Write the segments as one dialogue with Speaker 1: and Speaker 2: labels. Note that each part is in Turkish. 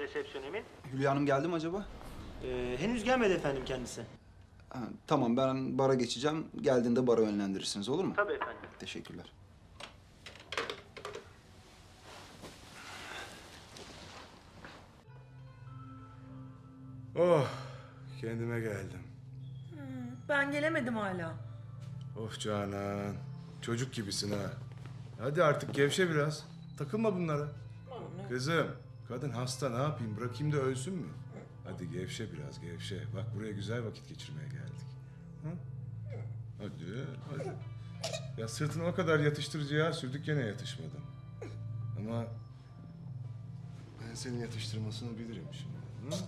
Speaker 1: resepsiyonimin.
Speaker 2: Hülya Hanım geldi mi acaba?
Speaker 1: Henüz gelmedi efendim kendisi.
Speaker 2: Ha, tamam, ben bara geçeceğim. Geldiğinde bara yönlendirirsiniz, olur mu?
Speaker 1: Tabii efendim.
Speaker 2: Teşekkürler.
Speaker 3: Oh, kendime geldim.
Speaker 4: Ben gelemedim hala.
Speaker 3: Of Canan, çocuk gibisin ha. Hadi artık gevşe biraz. Takılma bunlara. Kızım, kadın hasta, ne yapayım? Bırakayım da ölsün mü? Hadi gevşe biraz, gevşe. Bak buraya güzel vakit geçirmeye geldik. Hı? Hadi, hadi. Ya sırtını o kadar yatıştırıcıya sürdük, gene yatışmadın. Ama ben senin yatıştırmasını bilirim şimdi. Hı?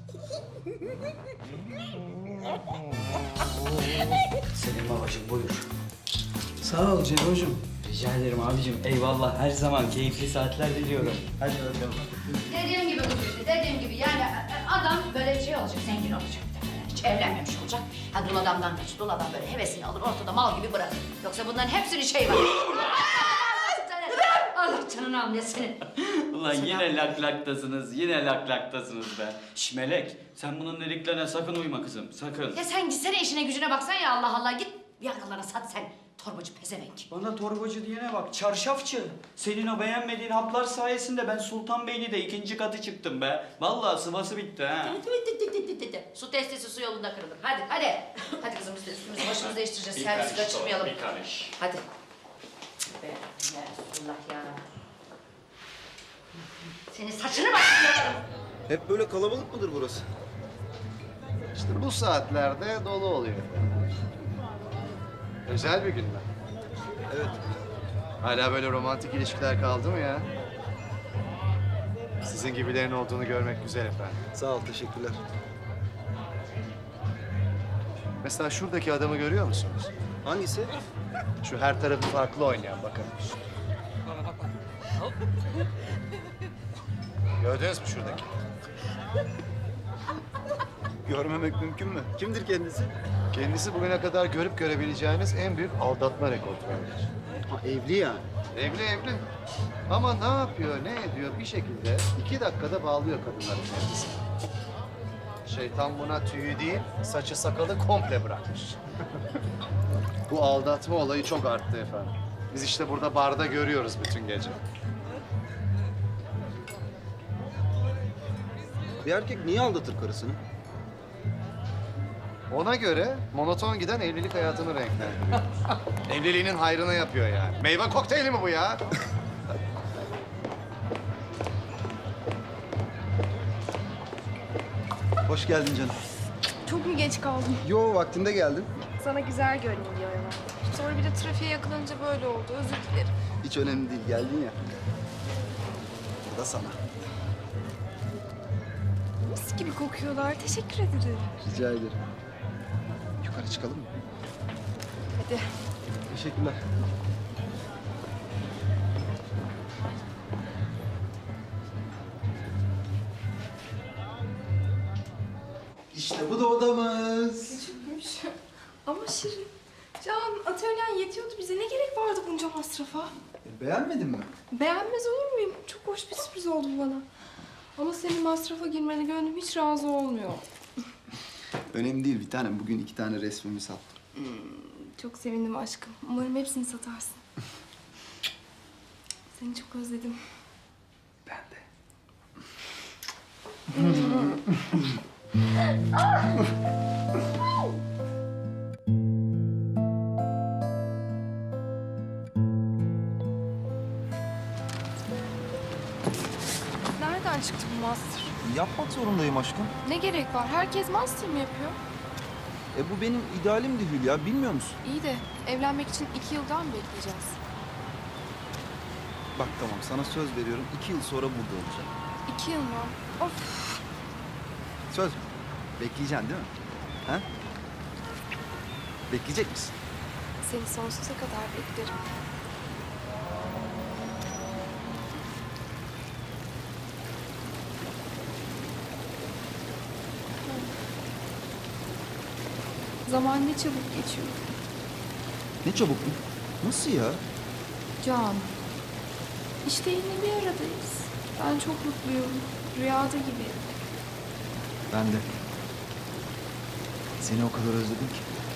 Speaker 5: Selim babacığım buyur.
Speaker 2: Sağ ol Cero'cum.
Speaker 5: Rica ederim abicim. Eyvallah. Her zaman keyifli saatler diliyorum. Hadi bakalım.
Speaker 6: Dediğim gibi kız işte, dediğim gibi yani adam böyle şey olacak, zengin olacak. Hiç evlenmemiş olacak. Ha dul adamdan kaç, dul adam böyle hevesini alır, ortada mal gibi bırakır. Yoksa bunların hepsinin şeyi var. Allah canını almasın.
Speaker 5: Ulan yine laklaktasınız, yine laklaktasınız be. Şş Melek, sen bunun dediklerine sakın uyma kızım, sakın.
Speaker 6: Ya sen gitsene işine gücüne baksan ya Allah Allah. Git yakalara sat sen. Torbacı pezevenk.
Speaker 5: Bana torbacı diyene bak, çarşafçı. Senin o beğenmediğin haplar sayesinde ben Sultanbeyli'de 2. katı çıktım be. Vallahi sıvası bitti ha.
Speaker 6: Su testisi su yolunda kırılır. Hadi hadi. Hadi kızım biz de üstümüzü başımızı değiştireceğiz. Servisi kaçırmayalım.
Speaker 5: Bir karış.
Speaker 6: Hadi. Be, ya Resulullah ya. Senin saçını başlayalım.
Speaker 2: Hep böyle kalabalık mıdır burası?
Speaker 7: İşte bu saatlerde dolu oluyor. Özel bir gün mü?
Speaker 2: Evet.
Speaker 7: Hala böyle romantik ilişkiler kaldı mı ya? Sizin gibilerin olduğunu görmek güzel efendim.
Speaker 2: Sağ ol, teşekkürler.
Speaker 7: Mesela şuradaki adamı görüyor musunuz?
Speaker 2: Hangisi?
Speaker 7: Şu her tarafı farklı oynayan bakın. Gördünüz mü şuradaki?
Speaker 2: Görmemek mümkün mü? Kimdir kendisi?
Speaker 7: Kendisi bugüne kadar görüp görebileceğiniz en büyük aldatma rekortmenidir.
Speaker 2: Ha, evli yani.
Speaker 7: Evli. Ama ne yapıyor, ne ediyor bir şekilde 2 dakikada bağlıyor kadınların kendisini. Şeytan buna tüyü değil, saçı sakalı komple bırakmış. Bu aldatma olayı çok arttı efendim. Biz işte burada barda görüyoruz bütün gece.
Speaker 2: Bir erkek niye aldatır karısını?
Speaker 7: Ona göre monoton giden evlilik hayatını renklendiriyor. Evliliğinin hayrına yapıyor yani. Meyve kokteyli mi bu ya?
Speaker 2: Hoş geldin canım.
Speaker 8: Çok mu geç kaldım?
Speaker 2: Yo, vaktinde geldin.
Speaker 8: Sana güzel görünüyor diyor ya. Sonra bir de trafiğe yakalanınca böyle oldu. Özür dilerim.
Speaker 2: Hiç önemli değil, geldin ya. Bu da sana.
Speaker 8: Mis gibi kokuyorlar. Teşekkür ederim.
Speaker 2: Rica ederim. Yukarı çıkalım mı?
Speaker 8: Hadi.
Speaker 2: Teşekkürler. İşte bu da odamız.
Speaker 8: Küçükmüş. Ama şirin. Can, atölyen yetiyordu bize. Ne gerek vardı bunca masrafa?
Speaker 2: Beğenmedin mi?
Speaker 8: Beğenmez olur muyum? Çok hoş bir sürpriz oldu bu bana. Ama senin masrafa girmene gönlüm hiç razı olmuyor.
Speaker 2: Önemli değil bir tanem. Bugün 2 tane resmimi sattım.
Speaker 8: Çok sevindim aşkım. Umarım hepsini satarsın. Seni çok özledim.
Speaker 2: Ben de.
Speaker 8: Nereden çıktı bu master?
Speaker 2: Yapmak zorundayım aşkım.
Speaker 8: Ne gerek var? Herkes master mı yapıyor?
Speaker 2: Bu benim idealimdi Hülya, bilmiyor musun?
Speaker 8: İyi de evlenmek için 2 yıldan mı bekleyeceğiz?
Speaker 2: Bak tamam, sana söz veriyorum. 2 yıl sonra burada olacağım.
Speaker 8: 2 yıl mı? Of!
Speaker 2: Söz mü? Bekleyeceksin değil mi? Ha? Bekleyecek misin?
Speaker 8: Seni sonsuza kadar beklerim. Zaman ne çabuk geçiyor.
Speaker 2: Ne çabuk mu? Nasıl ya?
Speaker 8: Can, işte yine bir aradayız. Ben çok mutluyum. Rüyada gibi.
Speaker 2: Ben de. Seni o kadar özledim ki.